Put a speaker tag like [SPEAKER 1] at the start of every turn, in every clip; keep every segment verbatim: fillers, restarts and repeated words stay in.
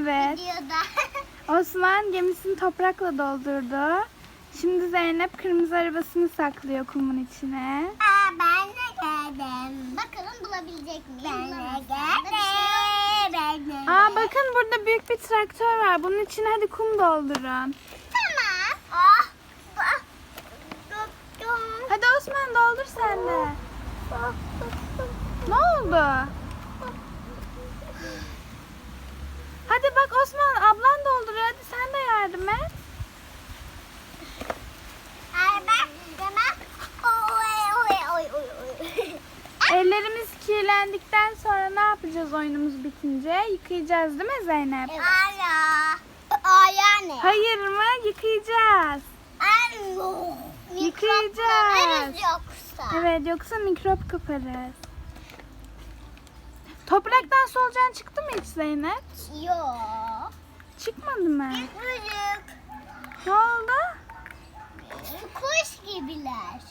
[SPEAKER 1] Evet.
[SPEAKER 2] Videoda.
[SPEAKER 1] Osman gemisini toprakla doldurdu. Şimdi Zeynep kırmızı arabasını saklıyor kumun içine.
[SPEAKER 2] Aa, ben de geldim. Bakalım bulabilecek miyim? Ben de geldim. Ben de.
[SPEAKER 1] Aa bakın burada büyük bir traktör var. Bunun içine hadi kum doldurun.
[SPEAKER 2] Tamam. Ah. ah, tuttum.
[SPEAKER 1] Hadi Osman doldur sen de. Ne oldu? Hadi bak Osman ablan dolduruyor. Hadi sen de yardım et.
[SPEAKER 2] Ay, ben demem. Oy oy oy oy oy.
[SPEAKER 1] Ellerimiz kirlendikten sonra ne yapacağız oyunumuz bitince? Yıkayacağız değil mi Zeynep?
[SPEAKER 2] Ara. Aya ne?
[SPEAKER 1] Hayır mı? Yıkayacağız.
[SPEAKER 2] Alo.
[SPEAKER 1] Yıkayacağız.
[SPEAKER 2] Yoksa.
[SPEAKER 1] Evet yoksa mikrop kaparız. Topraktan solucan çıktı mı hiç Zeynep?
[SPEAKER 2] Yok.
[SPEAKER 1] Çıkmadı mı?
[SPEAKER 2] Büyük.
[SPEAKER 1] Ne oldu?
[SPEAKER 2] Kuş gibiler.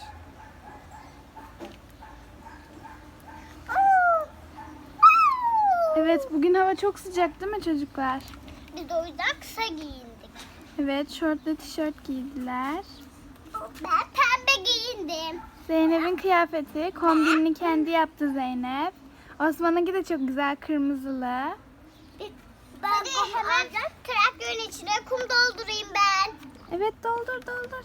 [SPEAKER 1] Evet bugün hava çok sıcak değil mi çocuklar?
[SPEAKER 2] Biz de o yüzden kısa giyindik.
[SPEAKER 1] Evet şortla tişört giydiler.
[SPEAKER 2] Ben pembe giyindim.
[SPEAKER 1] Zeynep'in kıyafeti kombinini kendi yaptı Zeynep. Osman'ınki de çok güzel kırmızılı.
[SPEAKER 2] Ben Hadi hemen traktörün içine kum doldurayım ben.
[SPEAKER 1] Evet doldur doldur.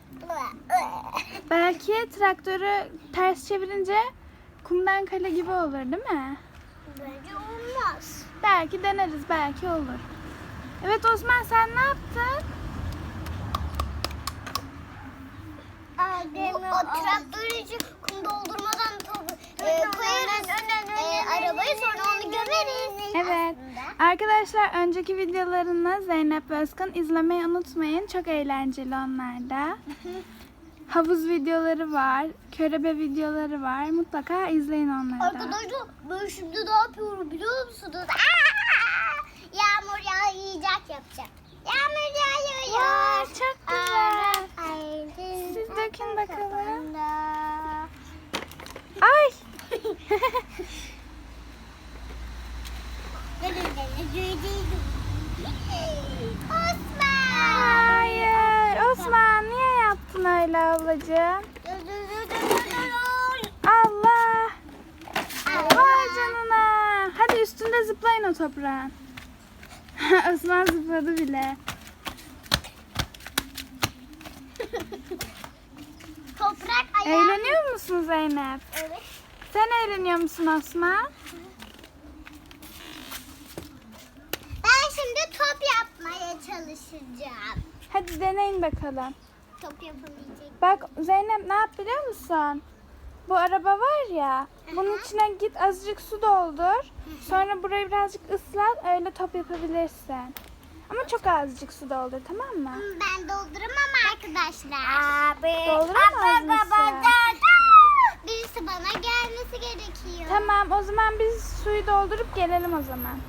[SPEAKER 1] Belki traktörü ters çevirince kumdan kale gibi olur değil mi?
[SPEAKER 2] Bence olmaz.
[SPEAKER 1] Belki deneriz belki olur. Evet Osman sen ne yaptın?
[SPEAKER 2] Bu o traktörün içine kum doldurmadan e, koyarız e, arabayı, sonra onu gömeriz.
[SPEAKER 1] Evet. Arkadaşlar önceki videolarını Zeynep ve Özkan izlemeyi unutmayın. Çok eğlenceli onlar da. Havuz videoları var. Körebe videoları var. Mutlaka izleyin onları da.
[SPEAKER 2] Arkadaşlar ben şimdi ne yapıyorum biliyor musunuz? Aa! Yağmur yağacak yapacağım. Yağmur yağıyor.
[SPEAKER 1] Vay, çok güzel.
[SPEAKER 2] Ay,
[SPEAKER 1] Siz dökün bakalım.
[SPEAKER 2] da.
[SPEAKER 1] Ay.
[SPEAKER 2] Osman.
[SPEAKER 1] Hayır. Osman niye yaptın öyle ablacığım? Allah. Vay canına. Hadi üstünde zıplayın o toprağın. Osman zıpladı bile.
[SPEAKER 2] Toprak ayağı.
[SPEAKER 1] Eğleniyor musun Zeynep?
[SPEAKER 2] Evet.
[SPEAKER 1] Sen eğleniyor musun Osman?
[SPEAKER 2] Ben şimdi top yapmaya çalışacağım.
[SPEAKER 1] Hadi deneyin bakalım.
[SPEAKER 2] Top yapamayacak.
[SPEAKER 1] Bak Zeynep ne yap biliyor musun? Bu araba var ya, bunun içine git azıcık su doldur. Sonra burayı birazcık ıslat, öyle top yapabilirsin. Ama çok azıcık su doldur, tamam mı?
[SPEAKER 2] Ben dolduramam arkadaşlar. Abi.
[SPEAKER 1] Dolduramaz mısın?
[SPEAKER 2] Birisi bana gelmesi gerekiyor.
[SPEAKER 1] Tamam, o zaman biz suyu doldurup gelelim o zaman.